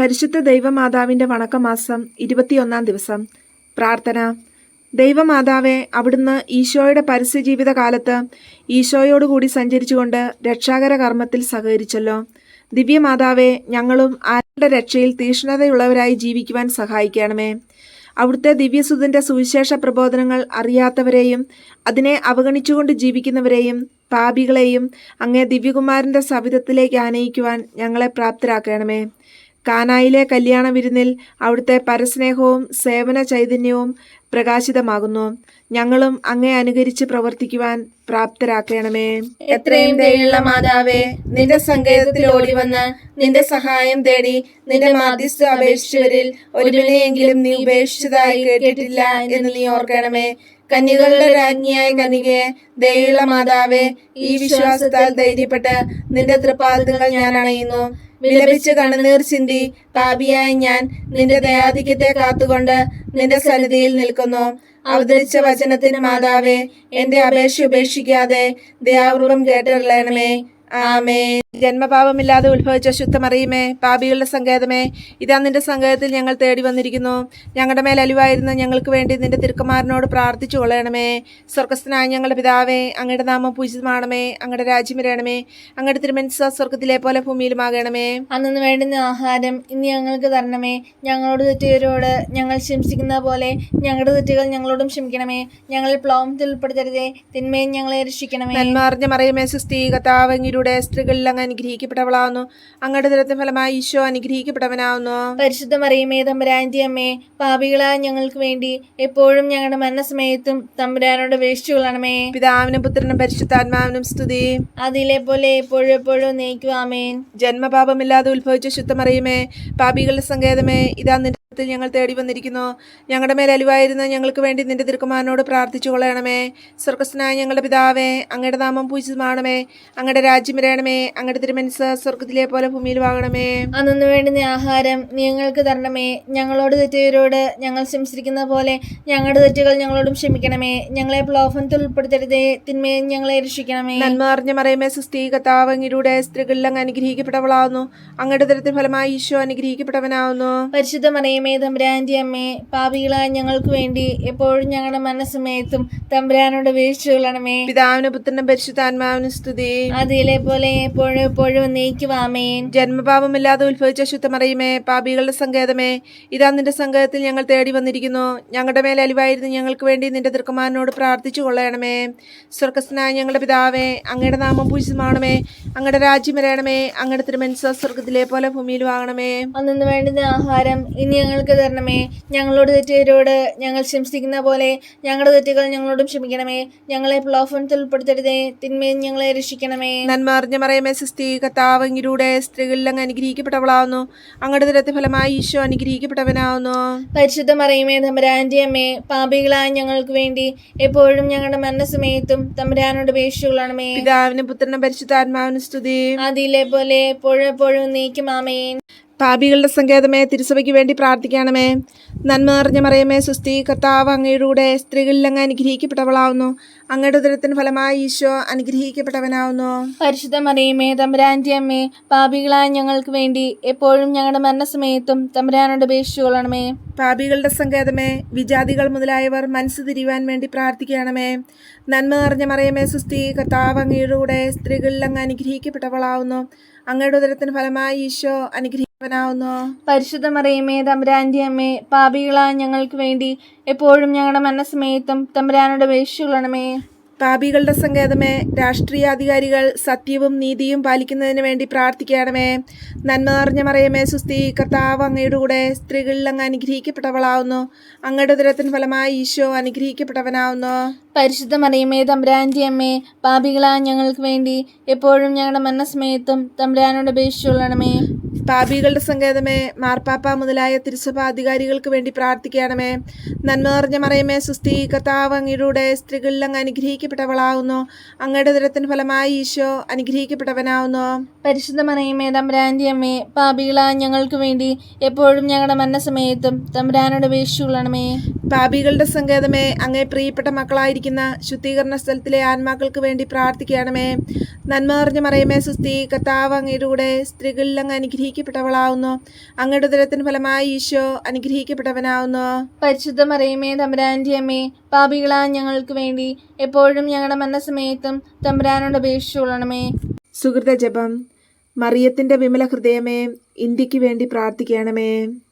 പരിശുദ്ധ ദൈവമാതാവിൻ്റെ വണക്കമാസം 21 ദിവസം. പ്രാർത്ഥന. ദൈവമാതാവെ, അവിടുന്ന് ഈശോയുടെ പരസ്യജീവിത കാലത്ത് ഈശോയോടുകൂടി സഞ്ചരിച്ചുകൊണ്ട് രക്ഷാകര കർമ്മത്തിൽ സഹകരിച്ചല്ലോ. ദിവ്യമാതാവെ, ഞങ്ങളും ആരുടെ രക്ഷയിൽ തീക്ഷ്ണതയുള്ളവരായി ജീവിക്കുവാൻ സഹായിക്കണമേ. അവിടുത്തെ ദിവ്യസുതന്റെ സുവിശേഷ പ്രബോധനങ്ങൾ അറിയാത്തവരെയും അതിനെ അവഗണിച്ചുകൊണ്ട് ജീവിക്കുന്നവരെയും പാപികളെയും അങ്ങേ ദിവ്യകുമാരൻ്റെ സവിധത്തിലേക്ക് ആനയിക്കുവാൻ ഞങ്ങളെ പ്രാപ്തരാക്കണമേ. കാനായിലെ കല്യാണ വിരുന്നിൽ അവിടുത്തെ പരസ്നേഹവും സേവന ചൈതന്യവും പ്രകാശിതമാകുന്നു. ഞങ്ങളും അങ്ങേ അനുകരിച്ച് പ്രവർത്തിക്കുവാൻ പ്രാപ്തരാക്കണമേ. എത്രയും ദയുള്ള മാതാവേ, നിന്റെ സങ്കേതത്തിൽ ഓടി വന്ന് നിന്റെ സഹായം തേടി നിന്റെ മാധ്യസ്ഥ അപേക്ഷിച്ചവരിൽ ഒരുവിനെയെങ്കിലും നീ ഉപേക്ഷിച്ചതായി കേട്ടിട്ടില്ല എന്ന് നീ ഓർക്കണമേ. കന്യകളുടെ രാജ്ഞിയായ കന്യകയെ, ദയുള്ള മാതാവേ, ഈ വിശ്വാസത്താൽ ധൈര്യപ്പെട്ട് നിന്റെ തൃപ്പാദങ്ങൾ ഞാൻ അണയുന്നു. വിലപിച്ച് കണ്ണുനീർ ചിന്തി പാപിയായ ഞാൻ നിന്റെ ദയാധിക്യത്തെ കാത്തുകൊണ്ട് നിന്റെ സന്നിധിയിൽ നിൽക്കുന്നു. അവതരിച്ച വചനത്തിന് മാതാവേ, എന്റെ അപേക്ഷ ഉപേക്ഷിക്കാതെ ദയാപൂർവം കേട്ടറിയണമേ. ആമേൻ. ജന്മപാപമില്ലാതെ ഉത്ഭവിച്ച ശുദ്ധമറിയുമേ, പാപികളുടെ സങ്കേതമേ, ഇതാ നിന്റെ സങ്കേതത്തിൽ ഞങ്ങൾ തേടി വന്നിരിക്കുന്നു. ഞങ്ങളുടെ മേൽ അലിവായിരുന്ന ഞങ്ങൾക്ക് വേണ്ടി നിന്റെ തിരുക്കുമാരനോട് പ്രാർത്ഥിച്ചു കൊള്ളണമേ. സ്വർഗസ്ഥനായ ഞങ്ങളുടെ പിതാവേ, അങ്ങയുടെ നാമം പൂജിതമാണമേ. അങ്ങയുടെ രാജ്യം വരണമേ. അങ്ങയുടെ തിരുമനസ്സ് സ്വർഗത്തിലെ പോലെ ഭൂമിയിലുമാകണമേ. അന്നു വേണ്ടുന്ന ആഹാരം ഇന്ന് ഞങ്ങൾക്ക് തരണമേ. ഞങ്ങളോട് തെറ്റുകാരോട് ഞങ്ങൾ ക്ഷമിക്കുന്ന പോലെ ഞങ്ങളുടെ തെറ്റുകൾ ഞങ്ങളോടും ക്ഷമിക്കണമേ. ഞങ്ങൾ പ്ലോമത്തിൽ ഉൾപ്പെടുത്തരുതേ, തിന്മയും ഞങ്ങളെ രക്ഷിക്കണമേ. നന്മറിഞ്ഞ മറിയമേ, സുസ്ഥീ, കർത്താവ് അങ്ങയുടെ സ്ത്രീകളിൽ അങ്ങ് അനുഗ്രഹിക്കപ്പെട്ടവളാവുന്നു. അങ്ങയുടെ ദുരത്തിന് ഫലമായി ഈശോ അനുഗ്രഹിക്കപ്പെട്ടവനാവുന്നു. പരിശുദ്ധ മറിയമേ, തമ്പുരാന്റെ അമ്മേ, പാപികളായ ഞങ്ങൾക്ക് വേണ്ടി എപ്പോഴും ഞങ്ങളുടെ മരണസമയത്തും തമ്പുരാനോട് അപേക്ഷിച്ചു കൊള്ളണമേ. പിതാവിനും പുത്രനും പരിശുദ്ധാത്മാവിനും സ്തുതി. അതിലെ പോലെ എപ്പോഴും എപ്പോഴും നയിക്കും. ആമേൻ. ജന്മപാപമില്ലാതെ ഉത്ഭവിച്ച ശുദ്ധമറിയമേ, പാപികളുടെ സങ്കേതമേ, ഇതാ നിന്റെ ഞങ്ങൾ തേടി വന്നിരിക്കുന്നു. ഞങ്ങളുടെ മേൽ അലിവായിരുന്ന ഞങ്ങൾക്ക് വേണ്ടി നിന്റെ തിരുക്കുമാരനോട് പ്രാർത്ഥിച്ചു കൊള്ളണമേ. സ്വർഗസ്ഥനായ ഞങ്ങളുടെ പിതാവേ, അങ്ങയുടെ നാമം പൂജിതമാണമേ. അങ്ങയുടെ രാജ്യം വരണമേ. അങ്ങയുടെ തിരുമനസ്സ് സ്വർഗത്തിലെ പോലെ ഭൂമിയിലുമാകണമേ. അന്നു വേണ്ടുന്ന ആഹാരം ഞങ്ങൾക്ക് തരണമേ. ഞങ്ങളോട് തെറ്റുകാരോട് ഞങ്ങൾ ക്ഷമിച്ചിരിക്കുന്ന പോലെ ഞങ്ങളുടെ തെറ്റുകൾ ഞങ്ങളോടും ക്ഷമിക്കണമേ. ഞങ്ങളെ പ്രലോഭനത്തിൽ ഉൾപ്പെടുത്തരുതേ, തിന്മയും ഞങ്ങളെ രക്ഷിക്കണമേ. നന്മറിഞ്ഞ മറിയമേ, സുസ്ഥീ, കർത്താവ് അങ്ങയുടെ സ്ത്രീകളിൽ അങ്ങ് അനുഗ്രഹിക്കപ്പെട്ടവളാവുന്നു. അങ്ങയുടെ ദുരത്തിന് ഫലമായി ഈശോ അനുഗ്രഹിക്കപ്പെട്ടവനാവുന്നു. പരിശുദ്ധ മറിയമേ, തമ്പുരാന്റെ അമ്മേ, പാപികളായ ഞങ്ങൾക്ക് വേണ്ടി എപ്പോഴും ഞങ്ങളുടെ മനസ്സമയത്തും തമ്പുരാനോട് അപേക്ഷിച്ചു കൊള്ളണമേ. പിതാവിനും പുത്രനും പരിശുദ്ധാത്മാവിനും സ്തുതി. അതിലെ പോലെ എപ്പോഴും എപ്പോഴും നയിക്കും. ആമേൻ. ജന്മപാപമില്ലാതെ ഉത്ഭവിച്ച ശുദ്ധമറിയമേ, പാപികളുടെ സങ്കേതമേ, ഇതാ നിന്റെ സങ്കേതത്തിൽ ഞങ്ങൾ തേടി വന്നിരിക്കുന്നു. ഞങ്ങളുടെ മേൽ അലിവായിരുന്നു ഞങ്ങൾക്ക് വേണ്ടി നിന്റെ തിരുക്കുമാരനോട് പ്രാർത്ഥിച്ചു കൊള്ളണമേ. സ്വർഗസ്ഥനായ ഞങ്ങളുടെ പിതാവേ, അങ്ങയുടെ നാമം പൂജിതമാണമേ. അങ്ങയുടെ രാജ്യം വരണമേ. അങ്ങയുടെ തിരുമനസ്സ് സ്വർഗത്തിലെ പോലെ ഭൂമിയിലും ആകണമേ. അന്നു വേണ്ടുന്ന ആഹാരം ഇനി ഞങ്ങൾക്ക് തരണമേ. ഞങ്ങളോട് തെറ്റുകാരോട് ഞങ്ങൾ ക്ഷമിച്ചിരിക്കുന്ന പോലെ ഞങ്ങളുടെ തെറ്റുകൾ ഞങ്ങളോടും ക്ഷമിക്കണമേ. ഞങ്ങളെ പ്രലോഭനത്തിൽ ഉൾപ്പെടുത്തരുതേ, തിന്മയും ഞങ്ങളെ രക്ഷിക്കണമേ. നന്മറിഞ്ഞ മറിയമേ, സുസ്ഥീ, കർത്താവ് അങ്ങയുടെ സ്ത്രീകളിൽ അങ്ങ് അനുഗ്രഹിക്കപ്പെട്ടവളാവുന്നു. അങ്ങയുടെ ദുരത്തിന് ഫലമായി ഈശോ അനുഗ്രഹിക്കപ്പെട്ടവനാവുന്നു. പരിശുദ്ധ മറിയമേ, തമ്പുരാന്റെ അമ്മേ, പാപികളായ ഞങ്ങൾക്ക് വേണ്ടി എപ്പോഴും ഞങ്ങളുടെ മരണസമയത്തും തമ്പുരാനോട് അപേക്ഷിച്ചു കൊള്ളണമേ. പിതാവിനും പുത്രനും പരിശുദ്ധാത്മാവിനും സ്തുതി. അതിലെ പോലെ എപ്പോഴും എപ്പോഴും നയിക്കും. ആമേൻ. പാപികളുടെ സങ്കേതമേ, തിരുസഭയ്ക്ക് വേണ്ടി പ്രാർത്ഥിക്കണമേ. നന്മ നിറഞ്ഞ മറിയമേ, സുസ്ഥീ, കർത്താവ് അങ്ങയുടെ സ്ത്രീകളിൽ അങ്ങ് അനുഗ്രഹിക്കപ്പെട്ടവളാവുന്നു. അങ്ങയുടെ ഉദരത്തിന് ഫലമായി ഈശോ അനുഗ്രഹിക്കപ്പെട്ടവനാവുന്നു. പരിശുദ്ധ മറിയമേ, തമ്പുരാന്റെ അമ്മേ, പാപികളായ ഞങ്ങൾക്ക് വേണ്ടി എപ്പോഴും ഞങ്ങളുടെ മരണസമയത്തും തമ്പുരാനോട് അപേക്ഷിച്ചു കൊള്ളണമേ. പാപികളുടെ സങ്കേതമേ, വിജാതികൾ മുതലായവർ മനസ്സ് തിരിയുവാൻ വേണ്ടി പ്രാർത്ഥിക്കണമേ. നന്മ നിറഞ്ഞ മറിയമേ, സുസ്ഥീ, കർത്താവ് അങ്ങയുടെ സ്ത്രീകളിൽ അങ്ങ് അനുഗ്രഹിക്കപ്പെട്ടവളാവുന്നു. അങ്ങയുടെ ഉദരത്തിന് ഫലമായി ഈശോ അനുഗ്രഹിക്കവനാവുന്നു. പരിശുദ്ധ മറിയമേ, തമ്പുരാന്റെ അമ്മേ, പാപികളായ ഞങ്ങൾക്ക് വേണ്ടി എപ്പോഴും ഞങ്ങളുടെ മരണസമയത്തും തമ്പുരാനോട് അപേക്ഷിച്ചു കൊള്ളണമേ. പാപികളുടെ സങ്കേതമേ, രാഷ്ട്രീയാധികാരികൾ സത്യവും നീതിയും പാലിക്കുന്നതിന് വേണ്ടി പ്രാർത്ഥിക്കണമേ. നന്മ നിറഞ്ഞ മറിയമേ, സുസ്ഥീ, കർത്താവ് അങ്ങയുടെ സ്ത്രീകളിൽ അങ്ങ് അനുഗ്രഹിക്കപ്പെട്ടവളാവുന്നു. അങ്ങയുടെ ഉദരത്തിന് ഫലമായി ഈശോ അനുഗ്രഹിക്കപ്പെട്ടവനാവുന്നു. പരിശുദ്ധ മറിയമേ, തമ്പുരാന്റെ അമ്മേ, പാപികളായ ഞങ്ങൾക്ക് വേണ്ടി എപ്പോഴും ഞങ്ങളുടെ മരണസമയത്തും തമ്പുരാനോട് അപേക്ഷിച്ചു കൊള്ളണമേ. പാപികളുടെ സങ്കേതമേ, മാർപ്പാപ്പ മുതലായ തിരുസഭാ അധികാരികൾക്ക് വേണ്ടി പ്രാർത്ഥിക്കണമേ. നന്മ നിറഞ്ഞ മറിയമേ, സുസ്ഥീ, കർത്താവ് അങ്ങയുടെ സ്ത്രീകളിൽ അങ്ങ് അനുഗ്രഹിക്കപ്പെട്ടവളാവുന്നു. അങ്ങയുടെ ഉദരത്തിന് ഫലമായി ഈശോ അനുഗ്രഹിക്കപ്പെട്ടവനാവുന്നു. പരിശുദ്ധ മറിയമേ, തമ്പുരാന്റെ അമ്മേ, പാപികളായ ഞങ്ങൾക്ക് വേണ്ടി എപ്പോഴും ഞങ്ങളുടെ മരണസമയത്തും തമ്പുരാനോട് അപേക്ഷിച്ചു കൊള്ളണമേ. പാപികളുടെ സങ്കേതമേ, അങ്ങേ പ്രിയപ്പെട്ട മക്കളായിരിക്കുന്ന ശുദ്ധീകരണ സ്ഥലത്തിലെ ആത്മാക്കൾക്ക് വേണ്ടി പ്രാർത്ഥിക്കണമേ. നന്മ നിറഞ്ഞ മറിയമേ സുസ്തി, കർത്താവ് അങ്ങയുടെ കൂടെ സ്ത്രീകളിൽ അങ്ങ് അനുഗ്രഹിക്കപ്പെട്ടവളാവുന്നു. അങ്ങയുടെ ഉദരത്തിന് ഫലമായി ഈശോ അനുഗ്രഹിക്കപ്പെട്ടവനാവുന്നു. പരിശുദ്ധ മറിയമേ തമ്പുരാന്റെ അമ്മേ, പാപികളായ ഞങ്ങൾക്ക് വേണ്ടി എപ്പോഴും ഞങ്ങളുടെ മരണസമയത്തും തമ്പുരാനോട് അപേക്ഷിച്ചുകൊള്ളണമേ. സുഹൃത ജപം. മറിയത്തിന്റെ വിമല ഹൃദയമേ, ഇന്ത്യക്ക് വേണ്ടി പ്രാർത്ഥിക്കണമേ.